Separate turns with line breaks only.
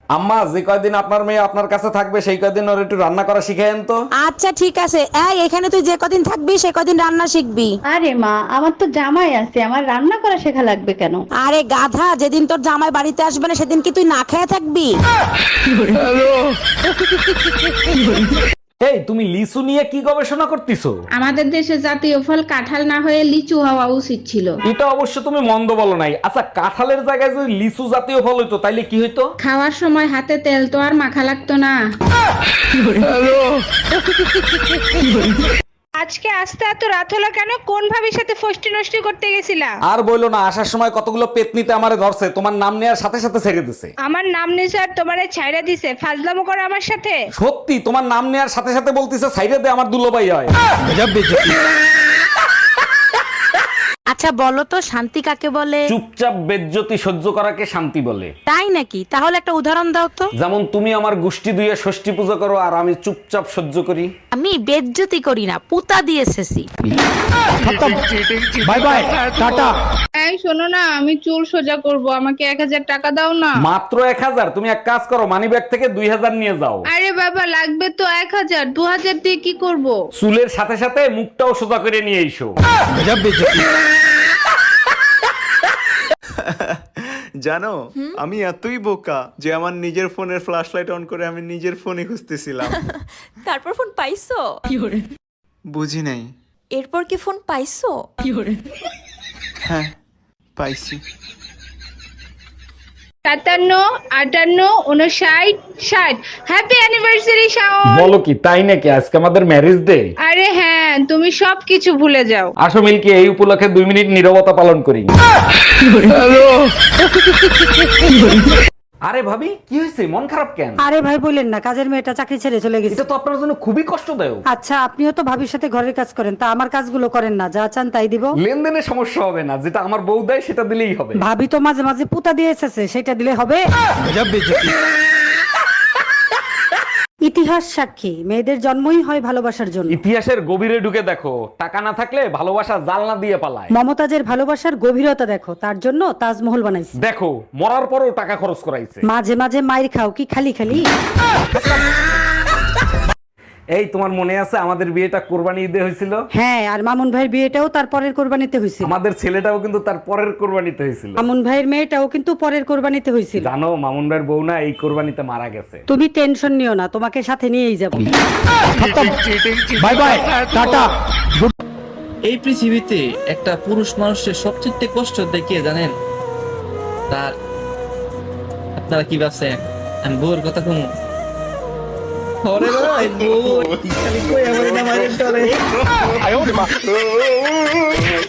আম্মা, যে কয়দিন আপনার মেয়ে আপনার কাছে থাকবে সেই কয়দিন ওর একটু রান্না করা শিখায়েন তো।
আচ্ছা ঠিক আছে। এই এখানে তুই যে কদিন থাকবি সে কদিন রান্না শিখবি।
আরে মা, আমার তো জামাই আছে, আমার রান্না করা শেখা লাগবে কেন?
আরে গাধা, যেদিন তোর জামাই বাড়িতে আসবে না সেদিন কি তুই না খেয়ে থাকবি?
এই, তুমি লিচু নিয়ে কি গবেষণা করতেছো?
আমাদের দেশে জাতীয় ফল কাঁঠাল না হয়ে লিচু হওয়া উচিত ছিল।
এটা অবশ্য তুমি মন্দ বলো নাই। আচ্ছা, কাঁঠালের জায়গায় যদি লিচু জাতীয় ফল হইতো তাইলে কি হইতো?
খাওয়ার সময় হাতে তেল তো আর মাখা লাগতো না।
আজকে আসতে এত রাত হলো কেন? কোন ভাবির সাথে ফষ্টি নষ্টি করতে গেছিলা?
আর বইলো না, আসার সময় কতগুলো পেতনিতে আমারে ধরছে, তোমার নাম নেওয়ার সাথে সাথে ছেড়ে দিছে।
আমার নাম নিছে আর তোমারে ছাইড়া দিছে, ফাজলামো করো আমার সাথে।
সত্যি, তোমার নাম নেওয়ার সাথে সাথে বলতিছে সাইডে দে, আমার দুলোবাই হয়।
আচ্ছা বলো তো, শান্তি কাকে বলে?
চুপচাপ বেজ্জতি সহ্য করাকে শান্তি বলে।
তাই নাকি? তাহলে একটা উদাহরণ দাও তো।
যেমন তুমি আমার গোষ্ঠী দুইয়ে ষষ্ঠী পূজা করো আর আমি চুপচাপ সহ্য করি।
আমি বেজ্জতি করি না, পুতা দিয়ে এসেছি।
Bye bye, tata.
এই শোনো না, আমি চুল সোজা করব, আমাকে 1000 টাকা দাও না।
মাত্র 1000? তুমি এক কাজ করো, মানি ব্যাগ থেকে 2000 নিয়ে যাও।
আরে বাবা, লাগবে তো 1000, 2000 দিয়ে কি করব?
চুলের সাথে সাথে মুখটাও সোজা করে নিয়ে এসো।
জানো, আমি এতই বোকা যে আমার নিজের ফোনের ফ্ল্যাশ লাইট অন করে আমি নিজের ফোনে খুঁজতেছিলাম।
তারপর ফোন পাইছো?
বুঝি নাই।
এরপর কি ফোন পাইছো?
হ্যাঁ, পাইছি।
57, 58, 59, 60। Happy anniversary Shaon.
বলো কি, তাই নাকি? আজকে আমাদের ম্যারেজ ডে।
আরে হ্যাঁ, তুমি সবকিছু ভুলে যাও।
আসো মিল্কি, এই উপলক্ষে 2 মিনিট নীরবতা পালন করি। আরে ভাবি, কি হয়েছে? মন খারাপ কেন?
আরে ভাই বললেন না, কাজের মেয়েটা চাকরি ছেড়ে চলে গেছে।
এটা তো আপনার জন্য খুবই কষ্টদায়ক।
আচ্ছা, আপনিও তো ভাবির সাথে ঘরের কাজ করেন, তা আমার কাজগুলো করেন না, যা চান তাই দিব।
লেনদেনে সমস্যা হবে না, যেটা আমার বউ দেয় সেটা দিলেই হবে।
ভাবি তো মাঝে মাঝে পুতা দিয়ে এসেছে, সেটা দিলে হবে। ইতিহাস সাক্ষী, মেয়েদের জন্মই হয় ভালোবাসার জন্য।
ইতিহাসের গভীরে ঢুকে দেখো, টাকা না থাকলে ভালোবাসা জালনা দিয়ে পালায়।
মমতাজের ভালোবাসার গভীরতা দেখো, তার জন্য তাজমহল বানাইছে।
দেখো, মরার পরও টাকা খরচ করাইছে।
মাঝে মাঝে মাইর খাও কি খালি খালি?
এই, তোমার মনে আছে আমাদের বিয়েটা কোরবানি ঈদে হয়েছিল?
হ্যাঁ, আর মামুন ভাইয়ের বিয়েটাও তার পরের কোরবানিতে হয়েছিল।
আমাদের ছেলেটাও কিন্তু তার পরের কোরবানিতে হয়েছিল।
মামুন ভাইয়ের মেয়েটাও কিন্তু পরের কোরবানিতে হয়েছিল।
জানো, মামুন ভাইয়ের বউ না এই কোরবানিতে মারা গেছে।
তুমি টেনশন নিও না, তোমাকে সাথে নিয়েই যাব।
Bye bye, tata.
এই পৃথিবীতে একটা পুরুষ মানুষের সবচেয়ে কষ্ট দেখিয়ে জানেন? তার আপনারা কি ভাবছেন আমি বউর কথা কমু? ওরে ভাই, বউ খালি কই আমার না মাইরে চলে।